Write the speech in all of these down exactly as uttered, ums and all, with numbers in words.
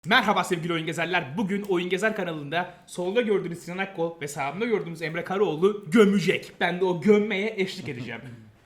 Merhaba sevgili oyun gezerler. Bugün Oyun Gezer kanalında solda gördüğünüz Sinan Akkol ve sağımda gördüğünüz Emre Karaoğlu gömecek. Ben de o gömmeye eşlik edeceğim.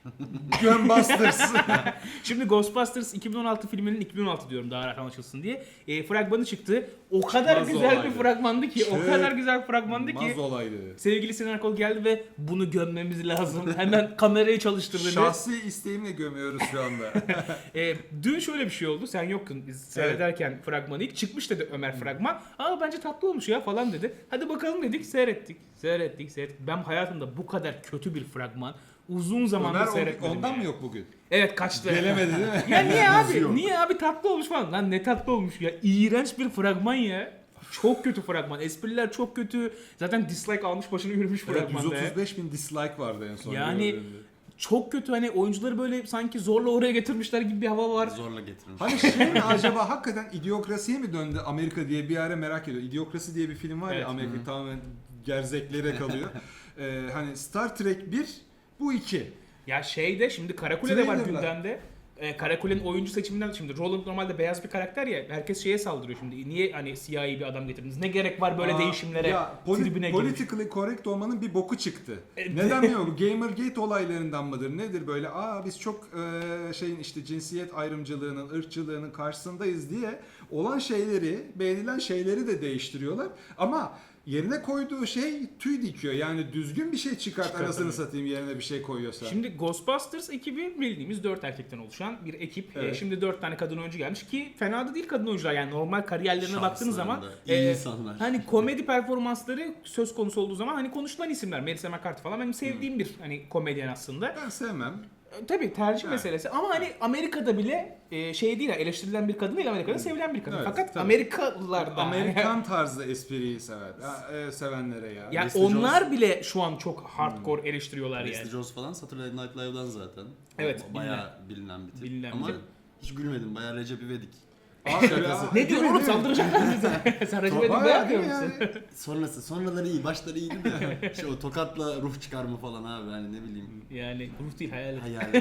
Gunbusters. Şimdi Ghostbusters iki bin on altı filminin iki bin on altı diyorum daha rahat anlaşılsın diye. E, fragmanı çıktı. O kadar Çıkmaz güzel olaydı. bir fragmandı ki, o Şey, kadar güzel bir fragmandı ki. Maz olaydı. Sevgili Sinan Akkol geldi ve bunu gömmemiz lazım. Hemen kamerayı çalıştırdı. Şahsi isteğimle gömüyoruz şu anda. E, dün şöyle bir şey oldu. Sen yoktun biz seyrederken fragmanı ilk çıkmış dedi Ömer fragman. Aa bence tatlı olmuş ya falan dedi. Hadi bakalım dedik, seyrettik. Seyrettik, seyrettik. Ben hayatımda bu kadar kötü bir fragman uzun zamandır Ömer seyretmedim. ondan yani. mı yok bugün? Evet, kaçtı. Gelemedi değil mi? Ya niye abi? Yok. Niye abi, tatlı olmuş falan. Lan ne tatlı olmuş ya. İğrenç bir fragman ya. Çok kötü fragman. Espriler çok kötü. Zaten dislike almış başını yürümüş Evet, fragmanda. yüz otuz beş bin dislike vardı en son. Yani- gördüğümde. Çok kötü, hani oyuncuları böyle sanki zorla oraya getirmişler gibi bir hava var. Zorla getirmiş. Hani şey mi acaba hakikaten idiokrasiye mi döndü Amerika diye bir ara merak ediyor. İdiokrasi diye bir film var Evet. ya, Amerika tamamen gerzeklere kalıyor. ee, hani Star Trek bir, bu iki. Ya şeyde şimdi Karakule de var Trailer'lar. gündemde. Ee, Karakule'nin oyuncu seçiminden şimdi Roland normalde beyaz bir karakter ya, herkes şeye saldırıyor şimdi. Niye hani siyahi bir adam getirdiniz? Ne gerek var böyle Aa, değişimlere? Ya, poli- tribüne girmiş. politically correct olmanın bir boku çıktı. Evet. Neden bilmiyorum. Gamergate olaylarından mıdır? Nedir böyle? Aa biz çok e, şeyin işte cinsiyet ayrımcılığının, ırkçılığının karşısındayız diye olan şeyleri, beğenilen şeyleri de değiştiriyorlar. Ama yerine koyduğu şey tüy dikiyor. Yani düzgün bir şey çıkart, Çıkart, anasını evet. satayım yerine bir şey koyuyorsa. Şimdi Ghostbusters ekibi bildiğimiz dört erkekten oluşan bir ekip. Ee, Evet. şimdi dört tane kadın oyuncu gelmiş ki fena da değil kadın oyuncular, yani normal kariyerlerine baktığınız zaman iyi e, insanlar. hani komedi performansları söz konusu olduğu zaman hani konuşulan isimler. Melissa McCarthy falan benim sevdiğim bir hani komedyen aslında. Ben sevmem. E, Tabii tercih Evet. meselesi ama hani Amerika'da bile e, şey değil, eleştirilen bir kadın değil, Amerika'da sevilen bir kadın. Evet, Fakat tabii. Amerikalılar da Amerikan tarzı espriyi sever. Ha, e, sevenlere ya. ya Leslie onlar Jones- bile şu an çok hardcore eleştiriyorlar Leslie yani. Jones falan Saturday Night Live'dan zaten. Evet, O bayağı bilinen bir tip. Bilinen bir Ama tip. hiç gülmedim. Bayağı Recep İvedik. Abi Şakası. ya, Ne diyorsun değil mi, oğlum, değil mi? saldıracak mısın bize? Sen Recep İvedik'i Bayağı beğenmiyor değil mi musun? yani? Sonrası, sonraları iyi, başları iyiydi de. Şey, o tokatla ruh çıkarma falan abi, hani ne bileyim. Yani ruh değil, hayalet. Hayalet.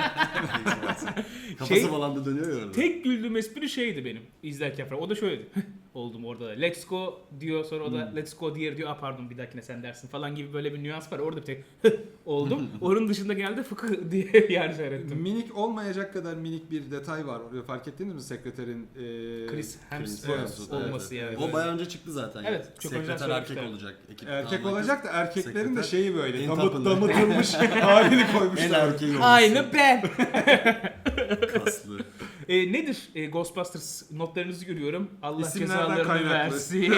Kafası Şey- falan da dönüyor ya orada. Tek güldüğüm espri şeydi benim izlerken falan. O da şöyleydi. Oldum orada da. Let's go diyor, sonra o da let's go diğer diyor. Aa pardon, bir dahakine sen dersin falan gibi böyle bir nüans var. Orada bir tek oldum. Onun dışında geldi fıkı diye yani seyrettim. Minik olmayacak kadar minik bir detay var. Oraya fark ettiniz mi sekreterin? E, Chris Hemsworth Hemsworth, olması evet. yani. O bayağı önce çıktı zaten. Evet, çok önceden Sekreter erkek söylemişler. olacak. Ekip Erkek tamamen olacak kız. da erkeklerin de Sekreter. şeyi böyle En damıt, tapılı. damıtılmış halini En koymuşlar. erkeği olmuş. Aynı ben. Kaslı. E, nedir e, Ghostbusters notlarınızı görüyorum. Allah İsimlerden cezalarını kaynaklı. versin.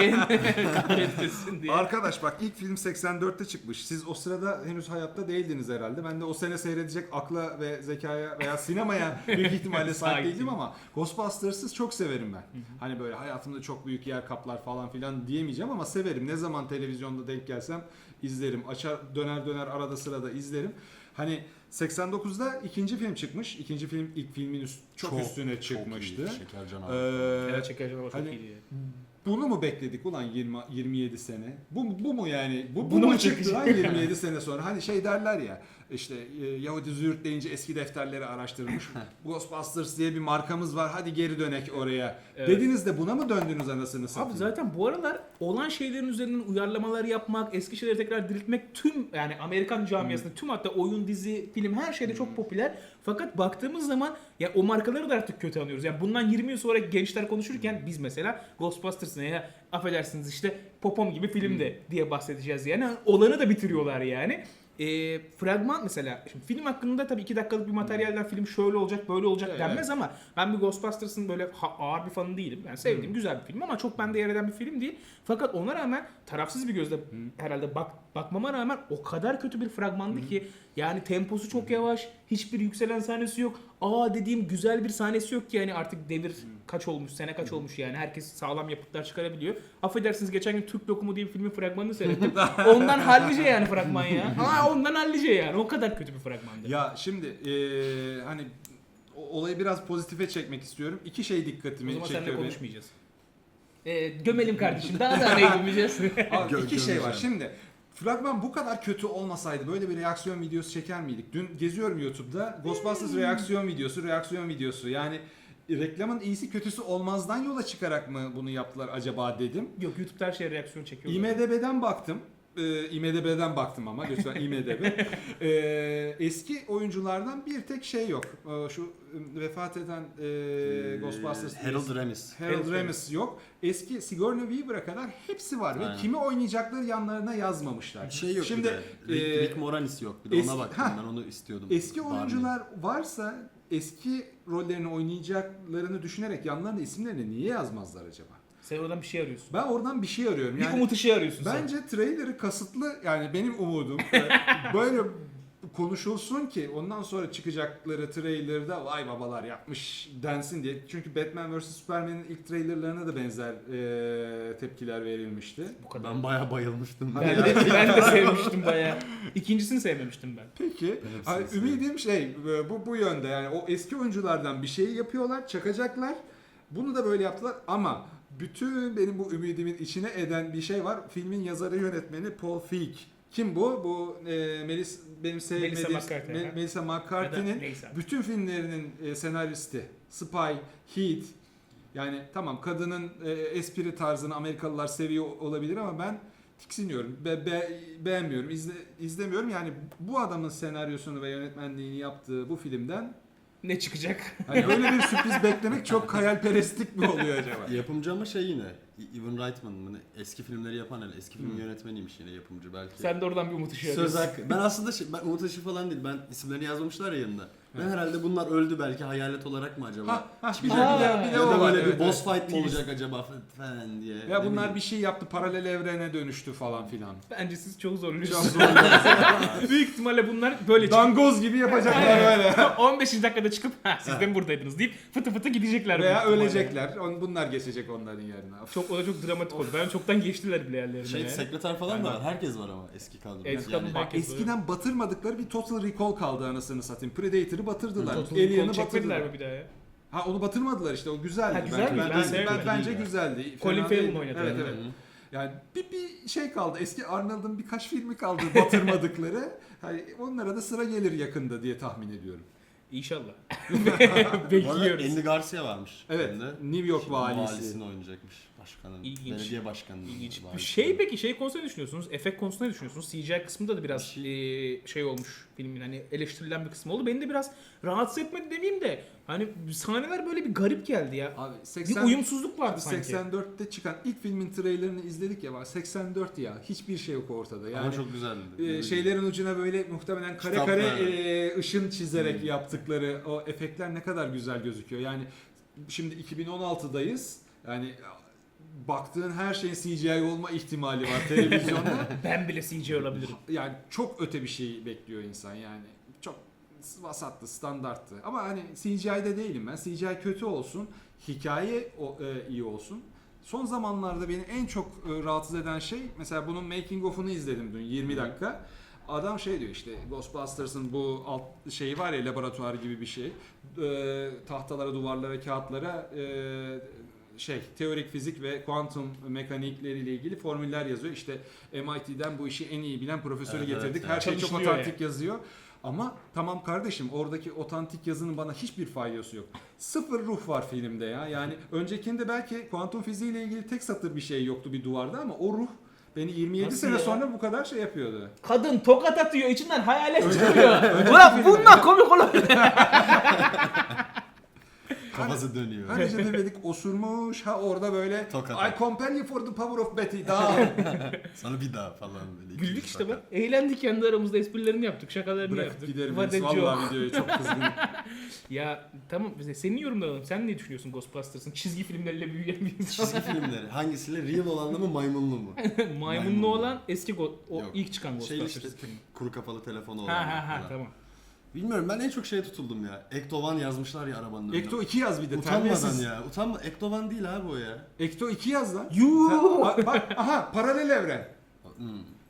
Kahretmesin diye. Arkadaş bak, ilk film seksen dörtte çıkmış. Siz o sırada henüz hayatta değildiniz herhalde. Ben de o sene seyredecek akla ve zekaya veya sinemaya büyük ihtimalle sahip Sahip değildim ama Ghostbusters'ı çok severim ben. Hani böyle hayatımda çok büyük yer kaplar falan filan diyemeyeceğim ama severim. Ne zaman televizyonda denk gelsem izlerim. Açar döner döner arada sırada izlerim. Hani seksen dokuzda ikinci film çıkmış. İkinci film ilk filmin üst, çok, Çok, üstüne çıkmıştı. Çok iyi. Şeker canavarı. Ee, Evet, şeker canavarı çok hani- iyiydi. Bunu mu bekledik ulan yirmi yirmi yedi sene? Bu bu mu yani? Bu, bu Bunu mu mu çıktı lan çıkacak? yirmi yedi sene sonra? Hani şey derler ya, işte e, Yahudi züğürt deyince eski defterleri araştırmış. Ghostbusters diye bir markamız var. Hadi geri dönek oraya. Evet. Dediniz de buna mı döndünüz anasını satayım? Abi zaten bu aralar olan şeylerin üzerinden uyarlamalar yapmak, eski şeyleri tekrar diriltmek tüm yani Amerikan camiasında tüm, hatta oyun, dizi, film her şeyde çok popüler. Fakat baktığımız zaman ya o markaları da artık kötü anlıyoruz. Yani bundan yirmi yıl sonra gençler konuşurken biz mesela Ghostbusters'ın ya affedersiniz işte Popom gibi filmde diye bahsedeceğiz yani. Olanı da bitiriyorlar yani. E, fragman mesela, şimdi film hakkında tabii iki dakikalık bir materyalden film şöyle olacak böyle olacak Evet, denmez ama ben bir Ghostbusters'ın böyle ha- ağır bir fanı değilim. Yani sevdiğim Hmm. güzel bir film ama çok bende yer eden bir film değil. Fakat ona rağmen tarafsız bir gözle herhalde bak bakmama rağmen o kadar kötü bir fragmandı ki yani temposu çok yavaş, hiçbir yükselen sahnesi yok. Aa dediğim güzel bir sahnesi yok ki yani artık devir kaç olmuş, sene kaç olmuş yani herkes sağlam yapıtlar çıkarabiliyor. Affedersiniz, geçen gün Türk Lokumu diye bir filmin fragmanını seyrettim. Ondan hallice yani fragman ya. Aa ondan hallice yani. O kadar kötü bir fragmandı. Ya şimdi e, hani o- olayı biraz pozitife çekmek istiyorum. İki şey O dikkatimi zaman çekiyor seninle benim. konuşmayacağız. Ee, gömelim kardeşim. Daha da ne gömeceğiz? Abi Gö- iki şey var. gömeceğim. Şimdi fragman bu kadar kötü olmasaydı böyle bir reaksiyon videosu çeker miydik? Dün geziyorum YouTube'da. Ghostbusters reaksiyon videosu, reaksiyon videosu. Yani reklamın iyisi kötüsü olmazdan yola çıkarak mı bunu yaptılar acaba dedim. Yok, YouTube'da her şeye reaksiyon çekiyorlar. IMDb'den baktım. Ee, IMDb'den baktım ama lütfen IMDb. Ee, eski oyunculardan bir tek şey yok. Ee, şu e, vefat eden e, Ghostbusters Harold Ramis. Harold Harold Ramis yok. Eski Sigourney Weaver'a kadar hepsi var Aynen. ve kimi oynayacakları yanlarına yazmamışlar. Bir şey yok Şimdi bir de. Rick, e, Rick Moranis yok. Bir de eski- ona baktım ha. ben onu istiyordum. eski Barney. oyuncular varsa eski rollerini oynayacaklarını düşünerek yanlarına isimlerini niye yazmazlar acaba? Sen oradan bir şey arıyorsun. Ben oradan bir şey arıyorum. Bir Yani umut ışığı arıyorsun sen. bence trailer'ı kasıtlı, yani benim umudum e, böyle konuşulsun ki ondan sonra çıkacakları trailer'da vay babalar yapmış densin diye. Çünkü Batman versus. Superman'in ilk trailerlarına da benzer e, tepkiler verilmişti. Bu kadar. Ben bayağı bayılmıştım. Ben de, ben de sevmiştim bayağı. İkincisini sevmemiştim ben. Peki. hepsini Hani seviyorum. ümidim şey e, bu bu yönde, yani o eski oyunculardan bir şey yapıyorlar, çakacaklar. Bunu da böyle yaptılar ama bütün benim bu ümidimin içine eden bir şey var. Filmin yazarı yönetmeni Paul Feig. Kim bu? Bu e, Melis benim sevmediğim Melissa McCarthy, Me- ha. Melissa Ya McCarthy'nin da neyse. bütün filmlerinin e, senaristi. Spy, Heat. Yani tamam, kadının e, espri tarzını Amerikalılar seviyor olabilir ama ben tiksiniyorum. Be, be- beğenmiyorum. İzle, izlemiyorum. Yani bu adamın senaryosunu ve yönetmenliğini yaptığı bu filmden Ne çıkacak? hani öyle bir sürpriz beklemek çok hayalperestlik mi oluyor acaba? Yapımcı ama şey yine. Evan Reitman mı? ne? Eski filmleri yapan hele. Eski film Hmm. yönetmeniymiş yine yapımcı belki. Sen de oradan bir umut ışığı Söz arıyorsun. hakkı. Ben aslında şey, ben Umut Işık falan değil. Ben isimlerini yazmamışlar ya yanında. Ben herhalde bunlar öldü belki hayalet olarak mı acaba? Ha, ha, bir de, Aa, bir de, bir de ya o da var. böyle Evet, bir boss evet. fight mı olacak acaba falan diye. Ya Ne bunlar bileyim. bir şey yaptı, paralel evrene dönüştü falan filan. Bence siz çok Çok zorluyorsunuz. zor. Büyük ihtimalle bunlar böyle çıkıp Dangoz gibi yapacaklar böyle. on beşinci dakikada çıkıp ha siz de mi buradaydınız deyip fıtı fıtı gidecekler. Veya büyük ihtimalle. ölecekler. On- Bunlar geçecek onların yerine. Of. Çok, o da çok dramatik oldu. Ben çoktan geçtiler bile yerlerine. Şey ya. sekreter falan da var. Herkes var ama eski kadroda. Eski yani, kadro- Bak, herkes eskiden batırmadıkları bir Total Recall kaldı anasını satayım. Predator'ı batırdılar. Total Alien'ı Recall çekmediler batırdılar. mi bir daha ya? Ha, onu batırmadılar işte, o güzeldi. Ha, güzel ben, mi? ben, Ben ben, sevmedim. bence İyi ya. güzeldi. Colin Fena Farrell değil. mi oynadı? Evet, Hı evet. Hı. Yani bir, bir şey kaldı. Eski Arnold'un birkaç filmi kaldı batırmadıkları. Hani onlara da sıra gelir yakında diye tahmin ediyorum. İnşallah. Bu arada Bekliyoruz. Andy Garcia varmış. Evet. filmde. New York Şimdi valisi. Valisini oynayacakmış. Başkanın. İlginç. Belediye başkanının. İlginç. valisi. Şey peki şey konusunda ne düşünüyorsunuz? Efekt konusunda ne düşünüyorsunuz? C G I kısmında da biraz Bir şey... şey olmuş filmin, hani eleştirilen bir kısmı oldu. Beni de biraz rahatsız etmedi demeyeyim de hani sahneler böyle bir garip geldi ya. Abi Bir seksen, uyumsuzluk vardı sanki. seksen dörtte çıkan ilk filmin trailerini izledik ya, var seksen dört ya, hiçbir şey yok ortada. Yani Ama çok güzeldi. e, Ne bileyim. şeylerin ucuna böyle muhtemelen kare Kitaplar. kare e, ışın çizerek Hmm. yaptıkları o efektler ne kadar güzel gözüküyor. Yani şimdi iki bin on altıdayız. Yani baktığın her şeyin C G I olma ihtimali var televizyonda. Ben bile C G I olabilirim. Yani çok öte bir şey bekliyor insan yani. Çok vasattı, standarttı. Ama hani C G I'de değilim ben. C G I kötü olsun, hikaye o, e, iyi olsun. Son zamanlarda beni en çok e, rahatsız eden şey, mesela bunun making of'unu izledim dün yirmi dakika. Adam şey diyor işte, Ghostbusters'ın bu alt şeyi var ya, laboratuvar gibi bir şey. E, tahtalara, duvarlara, kağıtlara e, şey teorik fizik ve kuantum mekanikleriyle ilgili formüller yazıyor. İşte M I T'den bu işi en iyi bilen profesörü Evet, getirdik. evet, Her evet. şey çok Çalışılıyor otantik yazıyor. Ama tamam kardeşim, oradaki otantik yazının bana hiçbir faydası yok. Sıfır ruh var filmde ya. Yani öncekinde belki kuantum fiziğiyle ilgili tek satır bir şey yoktu bir duvarda ama o ruh beni yirmi yedi Nasıl sene ya? sonra bu kadar şey yapıyordu. Kadın tokat atıyor, içinden hayalet Önce- çıkıyor. önceki Ulan filmde- bundan komik olabilir. Kafası dönüyor. Böylece demedik osurmuş, ha orada böyle Tokat. I compel you for the power of Betty down. Sana bir daha falan böyle. Güldük ikinci işte fakat. bak. Eğlendik, kendi aramızda esprilerini yaptık, şakalarını Bırak yaptık. giderim. What a joke. Vallahi videoyu çok kızgınım. Ya tamam, bize senin yorumlarını alalım. Sen ne düşünüyorsun Ghostbusters'ın çizgi filmleriyle büyüyen bir insan? Çizgi filmleri. Hangisiyle? Real olanla mı maymunlu mu? Maymunlu Maymunlu. olan eski Go- o Yok. ilk çıkan Şey Ghostbusters işte filmi. kuru kafalı telefonu olan. Ha ha ha falan. tamam. Bilmiyorum, ben en çok şeye tutuldum ya. Ektovan yazmışlar ya arabanın önüne. Ekto iki yaz bir de. Utanmadan terbiyesiz. ya. Utanma. Ektovan değil abi o ya. Ekto iki yaz lan. Yuuu. Sen- bak, bak, aha paralel evren. Hmm.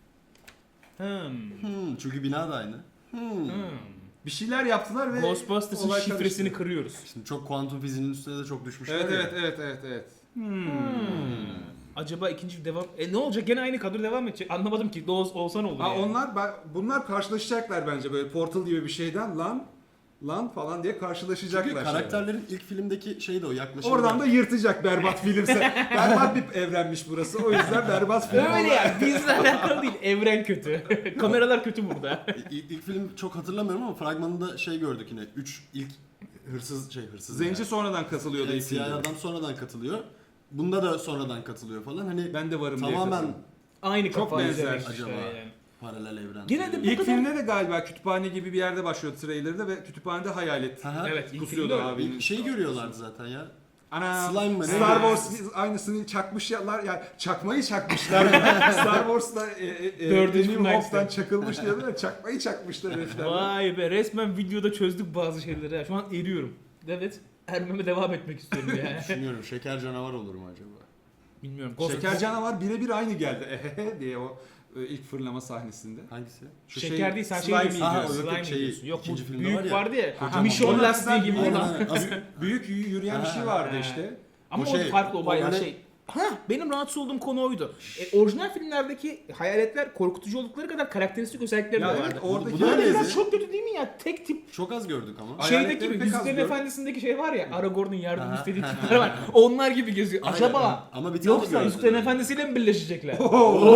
Hmm. Hmm, çünkü bina da aynı. Hmm. Hmm. Bir şeyler yaptılar ve Ghostbusters'ın olay şifresini karıştı. kırıyoruz. Şimdi çok kuantum fiziğinin üstüne de çok düşmüşler Evet ya. evet evet evet evet. Hmm. Acaba ikinci bir devam... E ne olacak? Gene aynı kadro devam edecek. Anlamadım ki. Doğuz olsa ne olur Ha yani. onlar ben- bunlar karşılaşacaklar bence böyle Portal gibi bir şeyden lan. lan falan diye karşılaşacaklar. Çünkü şeyler. karakterlerin ilk filmdeki şey de o yaklaşım. Oradan da yırtacak berbat filmse. Berbat bir evrenmiş burası. O yüzden berbat film. Öyle ya. Bizle alakalı değil. Evren kötü. Kameralar kötü burada. İlk, ilk film çok hatırlamıyorum ama fragmanında şey gördük yine. Üç ilk hırsız şey hırsız. Zenci yani. sonradan katılıyordu Evet, ilk filmde. siyah adam sonradan katılıyor. Bunda da sonradan katılıyor falan. Hani Ben de varım diye tamamen katılıyor. Aynı Çok kafayı benzer izlemek acaba. işte yani. paralel evren. Gene de bu İlk kadar- filmde de galiba kütüphane gibi bir yerde başlıyordu trailer'da ve kütüphanede hayalet Aha. Evet, ilk kusuyordu filmde abinin. Bir şey görüyorlardı zaten ya. Ana Slime mı ne? Star Wars aynısını çakmışlar yani çakmayı çakmışlar. Star Wars'ta e, e, e, Dördüncü New filmden Hope'dan işte. çakılmış diyorlar ya çakmayı çakmışlar herifler. Vay be, resmen videoda çözdük bazı şeyleri. ha. Şu an eriyorum. Evet. Ermeme devam etmek istiyorum yani. Düşünüyorum şeker canavar olur mu acaba? Bilmiyorum. Şeker canavar birebir aynı geldi ehehe diye o e, ilk fırlama sahnesinde. Hangisi? Şu Şeker değil, sen şey slime diyorsun. Aha, yiyorsun. o yok, Slime şey, diyorsun. Yok bu ikinci filmde büyük var ya. vardı ya. Kocaman. Mission Ona lastiği benzer gibi bir- olan. Aynen, az- Büyük y- yürüyen bir şey vardı Ha. işte. Ama O o şey, farklı, o o bayağı böyle- şey. Ha, benim rahatsız olduğum konu oydu. E, orijinal filmlerdeki hayaletler korkutucu oldukları kadar karakteristik özellikleri Ya de evet vardı. oradaki Bu da Yani öyleydi. biraz çok kötü değil mi ya? Tek tip Çok az gördük ama. Ay- şeydeki Hayaletleri gibi pek az Yüzüklerin gördüm. Efendisi'ndeki şey var ya, Aragorn'un yardım Aha. istediği tipler var. Onlar gibi geziyor. Aynen. Acaba Ama bir tane yoksa gördüm. Yüzüklerin Efendisi'yle mi birleşecekler? Oo.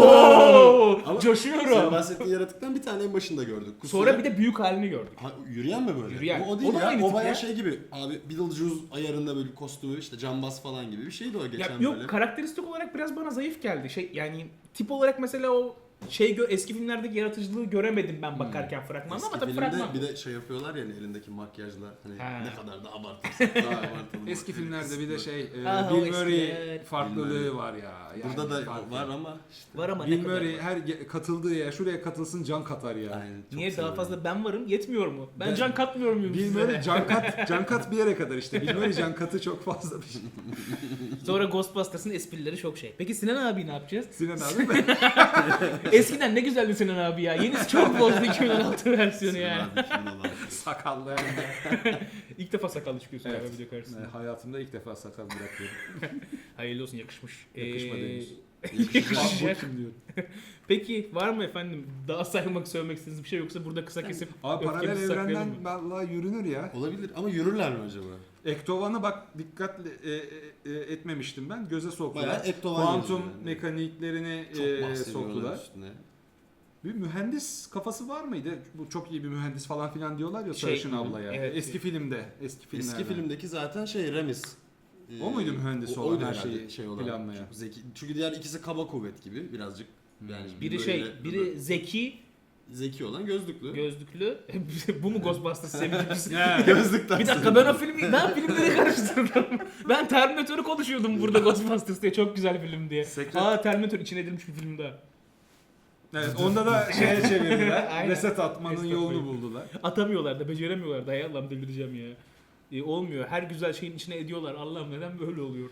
Oo, Ama coşuyorum. Senin bahsettiğin yaratıktan bir tane en başında gördük. Kusuyor. Sonra bir de büyük halini gördük. Ha, yürüyen mi böyle? Yürüyen. O, o değil O da ya. aynı O tip bayağı ya. şey gibi. Abi Beetlejuice ayarında böyle kostümü işte cambaz falan gibi bir şeydi o geçen Ya böyle. yok, karakteristik olarak biraz bana zayıf geldi. Şey yani tip olarak mesela o şey gö- eski filmlerdeki yaratıcılığı göremedim ben bakarken fragmanda, Eski ama tabii filmde fragman. bir de şey yapıyorlar ya hani elindeki makyajla hani Ha. ne kadar da abartırsak daha abartalım. Eski filmlerde bir de şey e, Ah, o Bill Murray eskiler. farklılığı Bill Murray. var ya. Yani Burada da farklı. var ama işte. Var ama ne Bill kadar Murray var. her ge- katıldığı yer şuraya katılsın can katar ya. Aynen, çok Niye daha seviyorum. fazla ben varım yetmiyor mu? Ben, Ben- can katmıyor muyum Bill size? Murray can kat, can kat bir yere kadar işte. Bill Murray can katı çok fazla bir şey. Sonra Ghostbusters'ın esprileri çok şey. Peki Sinan abi ne yapacağız? Sinan abi mi? Eskiden ne güzeldi Sinan abi ya. Yenisi çok bozdu iki bin on altı versiyonu Sinan yani. abi, Sinan abi. Sakallı yani. İlk defa sakallı çıkıyorsun Evet. galiba video karşısında. Yani hayatımda ilk defa sakal bırakıyorum. Hayırlı olsun, yakışmış. Yakışmadı Ee, henüz. yakışacak. Bu kim diyor. Peki var mı efendim daha saymak söylemek istediğiniz bir şey, yoksa burada kısa kesip Abi paralel öfkemizi saklayalım evrenden mı? vallahi yürünür ya. Olabilir ama yürürler mi acaba? Ektovan'ı bak dikkatle e, e, e, etmemiştim ben. Göze soktular. Bayağı Ektovan Kuantum yazıyor yani. mekaniklerini Çok e, bahsediyorlar soktular. üstüne. Bir mühendis kafası var mıydı? Bu çok iyi bir mühendis falan filan diyorlar ya Şey, Sarışın abla ya. evet. Eski filmde, eski filmlerde. Eski filmdeki zaten şey Remis. Ee, O muydu mühendis o- olan oydu her herhalde şeyi şey olan, planlayan? çok Zeki. Çünkü diğer ikisi kaba kuvvet gibi birazcık. Yani Biri böyle- şey, böyle biri zeki, zeki olan gözlüklü. gözlüklü. Bu mu Ghostbusters sevgilisi? Gözlükten. Bir dakika, ben o filmi, ben filmleri karıştırdım. Ben Terminator'u konuşuyordum burada Ghostbusters diye, çok güzel film diye. Secret- Aa, Terminator içine edilmiş bir film daha. Evet, onda da şeye çevirdiler. Aynen. Reset atmanın Reset yolunu atmayı. buldular. Atamıyorlar da, beceremiyorlar da, ya Allah'ım delireceğim ya. E, olmuyor. Her güzel şeyin içine ediyorlar. Allah'ım neden böyle oluyor?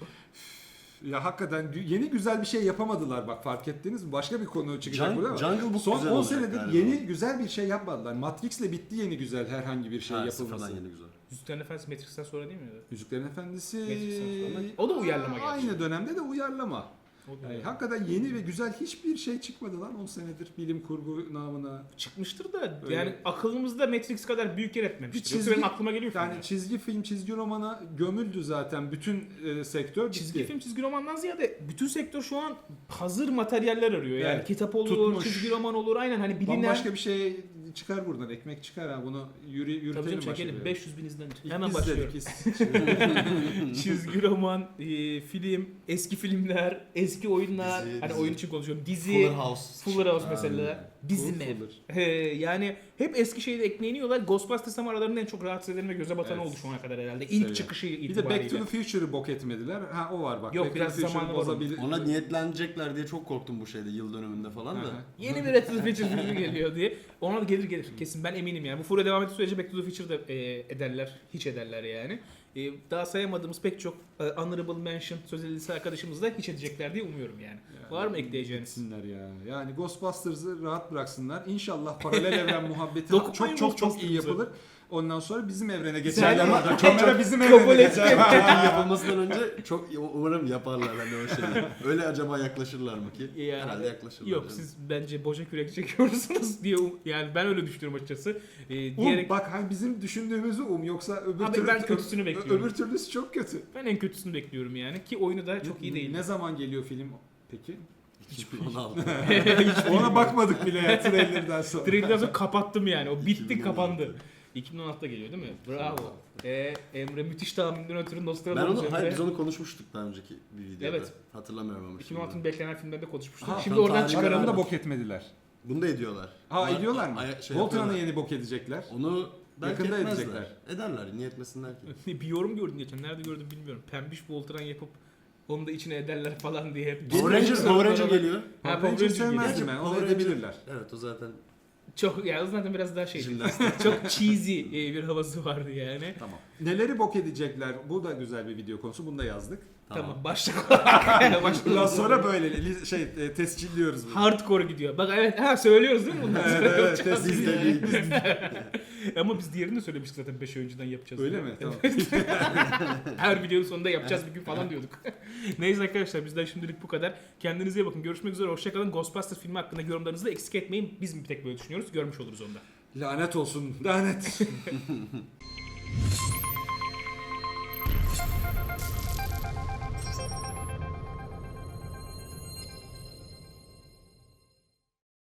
Ya hakikaten gü- yeni güzel bir şey yapamadılar bak, fark ettiniz mi? Başka bir konu çıkacak Jung- burada ama. Jungle Book Son güzel on olacak senedir galiba. yeni güzel bir şey yapmadılar. Matrix'le bitti yeni güzel herhangi bir şey Ha, yapılması. sıfırdan yeni güzel. Yüzüklerin Efendisi Matrix'ten sonra değil mi? Yüzüklerin Efendisi Matrix'ten sonra. O da uyarlama gerçi. Aynı dönemde de uyarlama. O da Yani öyle. hakikaten yeni ve güzel hiçbir şey çıkmadı lan on senedir bilim kurgu namına. Çıkmıştır da Öyle. yani akılımızda Matrix kadar büyük yer etmemiştir. Bir Yoksa çizgi- benim aklıma geliyor Yani filmler. çizgi film, çizgi romana gömüldü zaten bütün e, sektör. Çizgi bitti. film, çizgi romandan ziyade bütün sektör şu an hazır materyaller arıyor. Yani Evet. kitap olur, Tutmuş. çizgi roman olur, aynen hani bilinen. Bambaşka bir şey çıkar buradan, ekmek çıkar ha, bunu yürü, Tabii yürütelim canım, çekelim. başa. beş yüz bin izlenir. İlk Hemen biz başlıyorum. dedik, biz- Çizgi roman, e, film, eski filmler, eski oyunlar, Dizi, hani dizi. oyun için konuşuyorum. Dizi, Fuller House. Fuller House Ha, mesela, bizim ev. Fuller. He, yani hep eski şeyde ekleniyorlar. Ghostbusters ama aralarında en çok rahatsız eden ve göze batan Evet. oldu şu ana kadar herhalde. İlk Seviyorum. çıkışı Bir de itibariyle. Back to the Future'ı bok etmediler. Ha o var bak. Yok, Back biraz to the Future'ı zamanı var onun. bozabilir. Ona niyetlenecekler diye çok korktum bu şeyde yıl dönümünde falan da. Aha. Yeni bir Back to the Future filmi geliyor diye. Ona da gelir gelir. Kesin, ben eminim yani. Bu furya devam ettiği sürece Back to the Future'da e, ederler. Hiç ederler yani. E, daha sayamadığımız pek çok e, honorable mention söz edilisi arkadaşımız da hiç edecekler diye umuyorum yani. Yani Var mı ekleyeceğiniz? gitsinler ya. Yani Ghostbusters'ı rahat bıraksınlar. İnşallah paralel evren muhabbeti Dokunmayın çok çok çok iyi Ghostbusters'a. yapılır. Ondan sonra bizim evrene geçerler. Sen- orada. Kamera bizim Kabul evrene et. geçer. Film yapılmasından önce çok umarım yaparlar hani o şeyi. Öyle acaba yaklaşırlar mı ki? Yani- Herhalde yaklaşırlar. Yok canım. siz bence boşa kürek çekiyorsunuz diye um- yani ben öyle düşünüyorum açıkçası. Ee, Um, diyerek bak hani bizim düşündüğümüzü um yoksa öbür Abi türlü ben kötüsünü ö- bekliyorum. Öbür türlüsü çok kötü. ben en kötüsünü bekliyorum yani ki oyunu da çok iyi değil. Ne zaman geliyor film peki? iki bin on altı. Ona bakmadık bile ya trailerden sonra. Trailer'dan sonra kapattım yani. O bitti iki bin on altı. kapandı. iki bin on altıda geliyor değil mi? Bravo. Ee, Emre müthiş tahminden ötürü Ben Nostradamus onu, hayır Emre. biz onu konuşmuştuk daha önceki bir videoda. Evet. Hatırlamıyorum ama iki bin şimdi. on altının beklenen filmlerinde konuşmuştuk. Ha, Şimdi tam oradan tarihini Bak, onu da çıkaralım. bok etmediler. Bunu da ediyorlar. Ha Onlar- ediyorlar mı? Ay- şey Voltron'u yapıyorlar. yeni bok edecekler. Onu belki Yakında etmezler. edecekler. Ederler. Niye etmesinler ki? Bir yorum gördüm geçen. Nerede gördüm bilmiyorum. Pembiş Voltran yapıp onu da içine ederler falan diye. Power Ranger, Power Ranger geliyor. Ha, Power Power Ranger Ranger sevmezdim geliyor. ben. Onu Power Ranger- edebilirler. Evet o zaten Çok ya o zaten biraz daha şey. jimnastik. Çok cheesy e, bir havası vardı yani. Tamam. Neleri bok edecekler? Bu da güzel bir video konusu. Bunu da yazdık. Tamam, başlık olarak. başlık Bundan olarak. sonra böyle li- şey e, tescilliyoruz bunu. Hardcore gidiyor. Bak evet ha söylüyoruz değil mi bundan sonra Evet, evet, yapacağız test diye. Biz de değil. Ama biz diğerini de söylemiştik zaten beş ay önceden yapacağız. Öyle diye. mi? Tamam. Her videonun sonunda yapacağız bir gün falan diyorduk. Neyse arkadaşlar bizden şimdilik bu kadar. Kendinize iyi bakın. Görüşmek üzere. Hoşçakalın. Ghostbusters filmi hakkında yorumlarınızı da eksik etmeyin. Biz bir tek böyle düşünüyoruz. Görmüş oluruz onda. Lanet olsun. Lanet.